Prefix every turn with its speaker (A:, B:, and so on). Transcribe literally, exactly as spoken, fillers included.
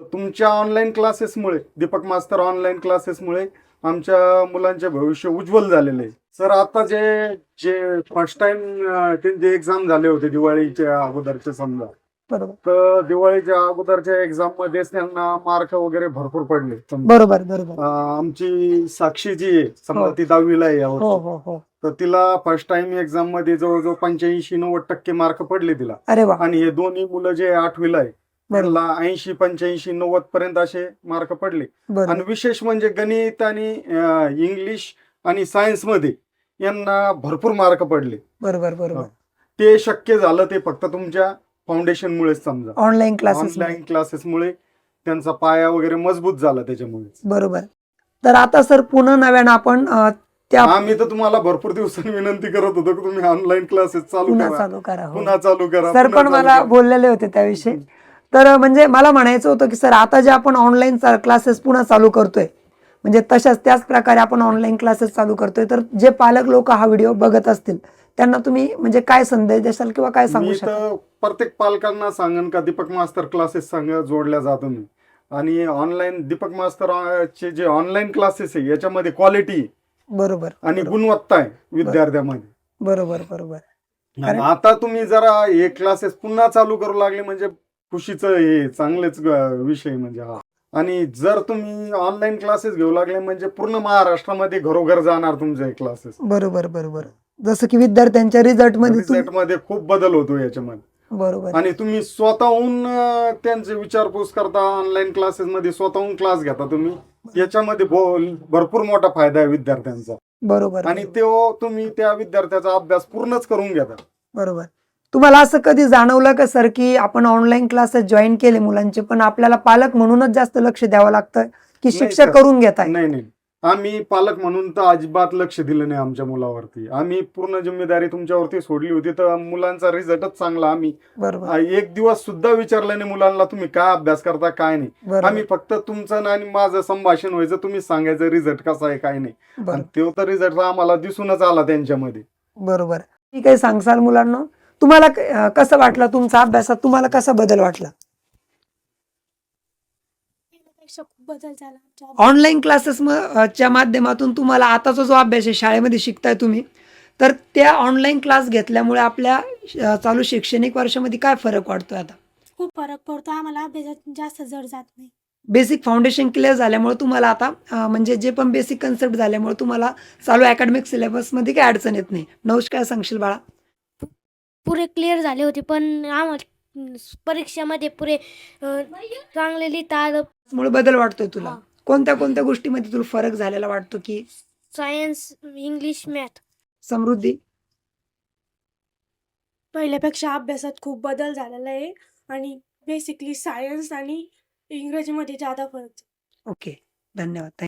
A: तुमच्या ऑनलाईन क्लासेसमुळे, दीपक मास्तर ऑनलाईन क्लासेसमुळे आमच्या मुलांचे भविष्य उज्ज्वल झालेले आहे. सर आता जे जे फर्स्ट टाइम त्यांचे एक्झाम झाले होते दिवाळीच्या अगोदरचे समजा,
B: बरोबर
A: तर दिवाळीच्या अगोदरच्या एक्झाम मध्ये त्यांना मार्क वगैरे भरपूर पडले समजा.
B: बरोबर बरोबर
A: अं, आमची साक्षी जी आहे समजा,
B: हो.
A: ती दहावीला आहे
B: हो
A: यावर्षी,
B: हो हो
A: तर तिला फर्स्ट टाइम एक्झाम मध्ये जवळजवळ पंच्याऐंशी नव्वद टक्के मार्क पडले तिला.
B: अरे वा
A: आणि हे दोन्ही मुलं जे आठवीला आहे
B: बरोबर
A: त्यांना ऐंशी पंच्याऐंशी नव्वद पर्यंत असे मार्क पडले. आणि
B: बरोबर
A: विशेष म्हणजे गणित आणि अं, इंग्लिश आणि सायन्स मध्ये यांना भरपूर मार्क पडले.
B: बरोबर बरोबर
A: ते शक्य झालं ते फक्त तुमच्या फाउंडेशन मुळेच समजा.
B: ऑनलाईन क्लासेस
A: ऑनलाईन क्लासेसमुळे त्यांचा पाया वगैरे मजबूत झाला त्याच्यामुळे.
B: बरोबर. तर आता सर पुन्हा नव्यानं आपण अ, त्या
A: आम्ही तर तुम्हाला भरपूर दिवसांनी विनंती करत होतो की तुम्ही ऑनलाईन क्लासेस चालू
B: पुन्हा
A: करा,
B: चालू करा. हो.
A: पुन्हा चालू करा.
B: सर
A: पुन्हा
B: पण
A: चालू
B: मला
A: करा.
B: बोललेले होते त्याविषयी. तर म्हणजे मला म्हणायचं होतं की सर आता जे आपण ऑनलाईन क्लासेस पुन्हा चालू करतोय, म्हणजे तशाच त्याच प्रकारे आपण ऑनलाईन क्लासेस चालू करतोय, तर जे पालक लोक हा व्हिडिओ बघत असतील त्यांना तुम्ही म्हणजे काय संदेश देशाल किंवा काय सांगू
A: मी
B: शकाल?
A: तर प्रत्येक पालकांना सांगेन का दीपक मास्तर क्लासेस संग जोडल्या जा तुम्ही. आणि ऑनलाईन दीपक मास्तर अं, चे जे ऑनलाईन क्लासेस आहे याच्यामध्ये क्वालिटी
B: बरोबर
A: आणि
B: बरोबर
A: गुणवत्ता आहे विद्यार्थ्यामध्ये.
B: बरोबर बरोबर
A: आणि
B: कारण-
A: आता तुम्ही जरा हे क्लासेस पुन्हा चालू करू लागले म्हणजे खुशीचं हे चांगलेच ग- विषय म्हणजे हा. आणि जर तुम्ही ऑनलाईन क्लासेस घेऊ लागले म्हणजे पूर्ण महाराष्ट्रामध्ये घरोघर जाणार तुमचे क्लासेस.
B: बरोबर बरोबर जसं की विद्यार्थ्यांच्या रिझल्ट मध्ये तुम-
A: रिझल्ट मध्ये खूप बदल होतो याच्यामध्ये.
B: बरोबर
A: आणि तुम्ही स्वतःहून अं, त्यांचे विचारपूस करता, ऑनलाईन क्लासेस मध्ये स्वतःहून क्लास घेता तुम्ही, याच्यामध्ये भो- भरपूर मोठा फायदा आहे विद्यार्थ्यांचा.
B: बरोबर
A: आणि
B: बरोबर.
A: तो तुम्ही त्या विद्यार्थ्याचा अभ्यास पूर्णच करून घेता.
B: बरोबर. तुम्हाला असं कधी जाणवलं का सर की आपण ऑनलाईन क्लासेस जॉईन केले मुलांचे, पण आपल्याला पालक म्हणूनच जास्त लक्ष द्यावं लागतं की
A: नाही
B: शिक्षक
A: सर.
B: करून घेताय?
A: नाही नाही, आम्ही पालक म्हणून तर अजिबात लक्ष दिलं नाही आमच्या मुलावरती. आम्ही पूर्ण जिम्मेदारी तुमच्यावरती सोडली होती, तर मुलांचा रिझल्टच चांगला. आम्ही
B: बरोबर
A: आ, एक दिवस सुद्धा विचारलं नाही मुलांना तुम्ही काय अभ्यास करता काय नाही.
B: बरोबर
A: आम्ही फक्त तुमचं आणि माझं संभाषण व्हायचं, तुम्ही सांगायचं रिझल्ट कसा आहे काय नाही. आणि
B: बरोबर
A: तो तर रिझल्ट आम्हाला दिसूनच आला त्यांच्यामध्ये.
B: बरोबर. ठीक आहे, सांगसाल मुलांना तुम्हाला क- अं, कसं वाटलं तुमचा अभ्यासात, तुम्हाला कसा बदल वाटला?
C: पेक्षा खूप बदल झाला आमच्या
B: ऑनलाईन क्लासेस च्या माध्यमातून तुम्हाला आताचा जो अभ्यास आहे शाळेमध्ये शिकताय तुम्ही, तर त्या ऑनलाईन क्लास घेतल्यामुळे आपल्या अं, चालू शैक्षणिक वर्षामध्ये काय फरक वाटतोय? आता
C: खूप फरक पडतो आम्हाला, अभ्यासात जास्त जड जात नाही.
B: बेसिक फाउंडेशन क्लिअर झाल्यामुळे तुम्हाला आता अं, म्हणजे जे पण बेसिक कन्सेप्ट झाल्यामुळे तुम्हाला चालू अकॅडमिक सिलेबसमध्ये काही अडचण येत नाही. नवश काय सांगशील बाळा?
C: पुरे क्लिअर झाले होते, पण आम्हाला परीक्षेमध्ये पुरे अं, चांगले लिहिता आलं.
B: मुळे बदल वाटतोय तुला?
C: हा.
B: कोणत्या कोणत्या गोष्टीमध्ये तुला फरक झालेला वाटतो? की
C: सायन्स, इंग्लिश, मॅथ.
B: समृद्धी?
D: पहिल्यापेक्षा अभ्यासात खूप बदल झालेला आहे आणि बेसिकली सायन्स आणि इंग्रजीमध्ये ज्यादा फरक आहे.
B: ओके, धन्यवाद.